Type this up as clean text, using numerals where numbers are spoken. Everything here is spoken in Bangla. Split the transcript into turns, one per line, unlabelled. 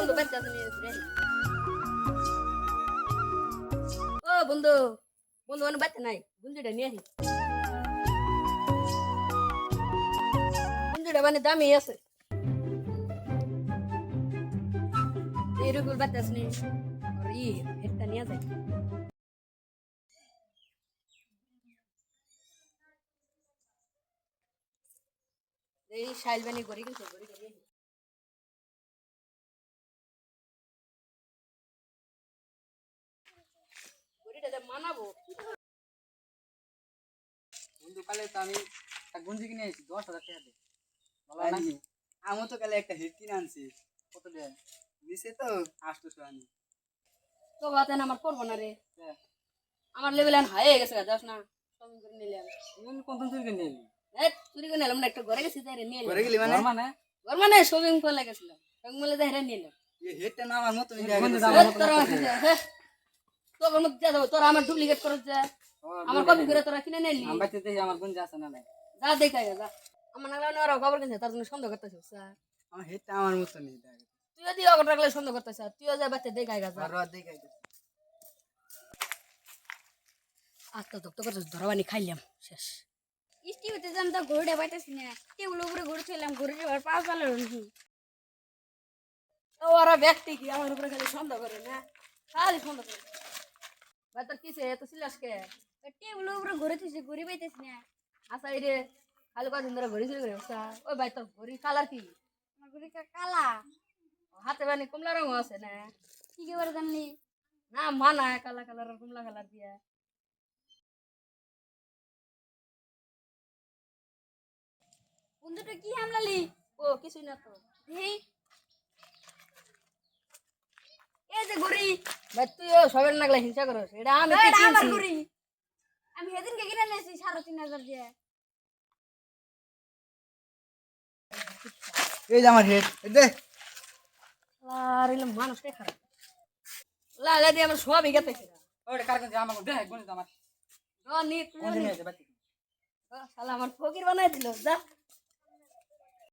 বন্ধু বাচ্চা তুমি ও বন্ধু বন্ধু অনেক বাচ্চা নাই গুঞ্জিটা নিয়ে আসি গুঞ্জিটা মানে দামি আছে এরকম বাচ্চা আছে আর হেডটা নিয়ে যায় এই শাইল বানি গড়ি গেছে গড়ি গড়ি গড়িটা মানাবো
বন্ধু কালে তো আমি একটা গঞ্জি কিনে আইছি 10,000 টাকা দিয়ে ভালো নাকি আমি তো কালে একটা হেড কিনে আনছি কত দিয়ে নিচে তো 800 আনি
তো বাতেন আমার করবো না রে আমার লেভেল আন হাই হয়ে গেছে যাস না শপিং করে নিলাম
তুমি কোন কোন চুরি কিনে নিলি
এই চুরি করে নিলাম না একটু ঘরে গেছি তাই নিয়ে
ঘরে গেলি মানে
ঘর মানে শপিং করে গেছিলাম শপিং মলে যাই নিলাম
এই হেডটা না আমার মত নিয়ে
তোর তোর মধ্যে যা যাবো তোর আমার ডুপ্লিকেট করে যা আমার কপি করে তোরা কিনে নিলি
আমার বাড়িতে দেখি আমার গঞ্জি আছে না নাই
যা দেখা যা আমার নাগলা ওরা খবর কিনছে তার জন্য সন্দেহ করতেছিস স্যার
আমার হেডটা আমার মত নেই দেখ
তুই যদি অগর রাখলে সন্দেহ করতেছ তুইও যা বাচ্চা দেখাই গা
আর দেখাই দে
আত্মা দক্ত করছিস ধরাবানি খাইলাম শেষ
স্টিভিতে যাম তো ঘুরে পাইতেছি না টেবিল উপরে ঘুরছিলাম ঘুরে এবার পা চালালো
ও ওরা ব্যক্তি কি আমার উপরে খালি সন্দেহ করে না খালি সন্দেহ করে ভাই তোর কিসে এত সিলাসকে
টেবিল উপরে ঘুরেছি ঘুরে পাইতেছি না
আচ্ছা এই রে খালি কদিন ধরে ঘড়ি চুরি করে ওই ভাই তোর ঘড়ি কালার কি
আমার ঘুরে কালা
হাতে বানি কমলা রঙ আছে না
কি করে জানলি
না মানা কালা কালার আর কমলা কালার দিয়া
বন্ধুটা কি হামলালি
ও কিছুই না তো
এই এই যে ঘুরি
ভাই তুইও সবের নাগলা হিংসা করস এটা আমি কি
এটা আমার
কিনছি?
ঘুরি আমি সেদিনকে কিনে নিয়েছি 3,500 দিয়ে
এই যে আমার হেড দে
আর এলাম মানুষটাই খারাপ লাগা দিয়ে আমার সবই গেতেছে
ওরে কার গঞ্জি আমার দেখ গঞ্জি আমার
নি তুই
গঞ্জি নিয়ে যা বাড়ি
শালা আমার ফকির বানাই দিল যা